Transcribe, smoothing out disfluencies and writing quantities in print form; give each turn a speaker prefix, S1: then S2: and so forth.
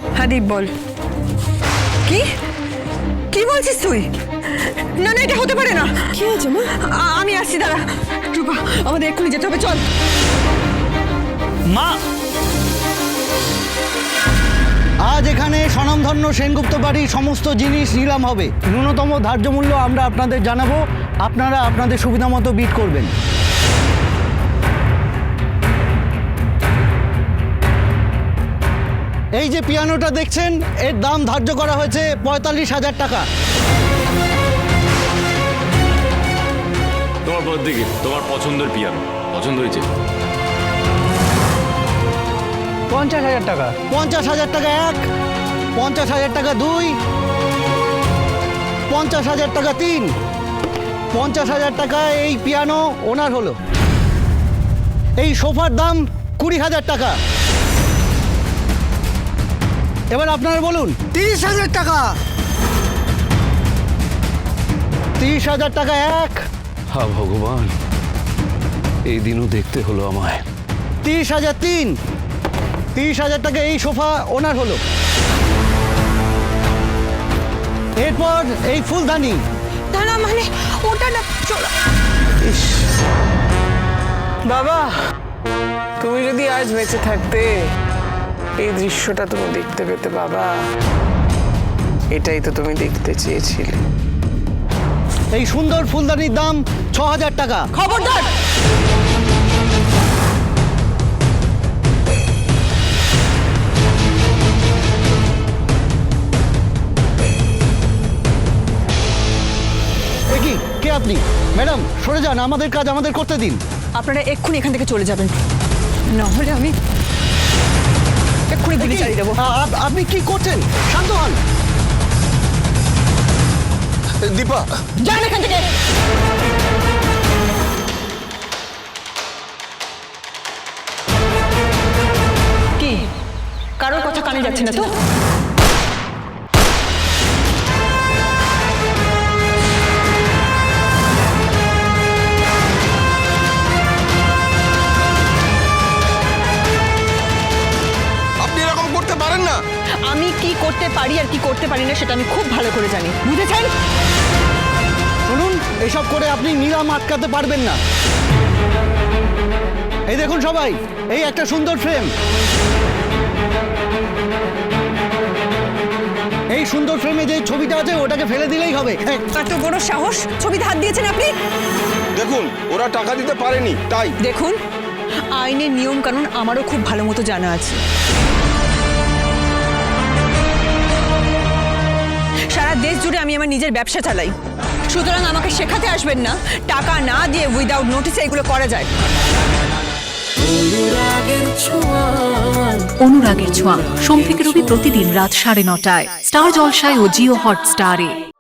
S1: হ্যাঁ দীপ বল। কি কি বলছিস তুই? না না, এটা হতে পারে না।
S2: কি হয়েছে মা?
S1: আমি আসছি, দাঁড়া। রূপা, আমাদের এক্ষুনি যেতে হবে, চল।
S3: মা,
S4: আজ এখানে স্বনামধন্য সেনগুপ্ত বাড়ির সমস্ত জিনিস নিলাম হবে। ন্যূনতম ধার্য মূল্য আমরা আপনাদের জানাবো, আপনারা আপনাদের সুবিধা মতো বিড করবেন। এই যে পিয়ানোটা দেখছেন, এর দাম ধার্য করা হয়েছে ৪৫,০০০ টাকা।
S5: তোমার দিকে তোমার পছন্দের পিয়ানো পছন্দ হয়েছে?
S4: ৫০,০০০ টাকা। ৫০,০০০ টাকা এক, ৫০,০০০ টাকা দুই, ৫০,০০০ টাকা তিন, ৫০,০০০ টাকা এই পিয়ানো ওনার হলো। এই সোফার দাম ২০,০০০ টাকা। এবার আপনারা বলুন।
S6: ৩০,০০০ টাকা।
S4: ৩০,০০০ টাকা এক,
S7: হা ভগবান, এই দিনও দেখতে হলো আমায়।
S4: ৩০,০০০ তিন, ৩০,০০০ টাকা এই সোফা ওনার হলো। এরপর এই ফুলদানি।
S1: দাঁড়া, মানে ওটা না, চল।
S2: বাবা, তুমি যদি আজ বেঁচে থাকতে এই দৃশ্যটা তুমি দেখতে পেতে বাবা। এটাই তো তুমি দেখতে চেয়েছিলে।
S4: এই সুন্দর ফুলদানির দাম ৬,০০০ টাকা।
S1: খবরদার!
S4: এ কি, কে আপনি? ম্যাডাম সরে যান, আমাদের কাজ আমাদের করতে দিন।
S1: আপনারা এক্ষুনি এখান থেকে চলে যাবেন, নাহলে আমি এক্ষুনি গুলি চালিয়ে দেবো।
S4: আপনি কি করছেন? শান্ত হন।
S6: দীপা,
S1: যান এখান থেকে। কি কারোর কথা কানে যাচ্ছে না তো?
S6: আপনি এরকম করতে পারেন না।
S1: আমি কি করতে পারি আর কি করতে পারি না সেটা আমি খুব ভালো করে জানি, বুঝেছেন?
S4: শুনুন, এসব করে আপনি নিলাম আটকাতে পারবেন না। এই দেখুন সবাই, এই একটা সুন্দর ফ্রেম। এই সুন্দর ফ্রেমে যে ছবিটা আছে ওটাকে ফেলে দিলেই হবে।
S1: এত বড় সাহস! ছবিতে হাত দিয়েছেন আপনি?
S6: দেখুন, ওরা টাকা দিতে পারেনি তাই।
S1: দেখুন, আইনের নিয়ম কানুন আমারও খুব ভালো মতো জানা আছে। সারা দেশ জুড়ে আমি আমার নিজের ব্যবসা চালাই, সুতরাং আমাকে শেখাতে আসবেন না টাকা না দিয়ে উইদাউট নোটিসে এগুলো করা যায়।
S8: অনুরাগের ছোঁয়া সোম থেকে রবি প্রতিদিন রাত ৯:৩০ স্টার জলসায় ও জিও হটস্টারে।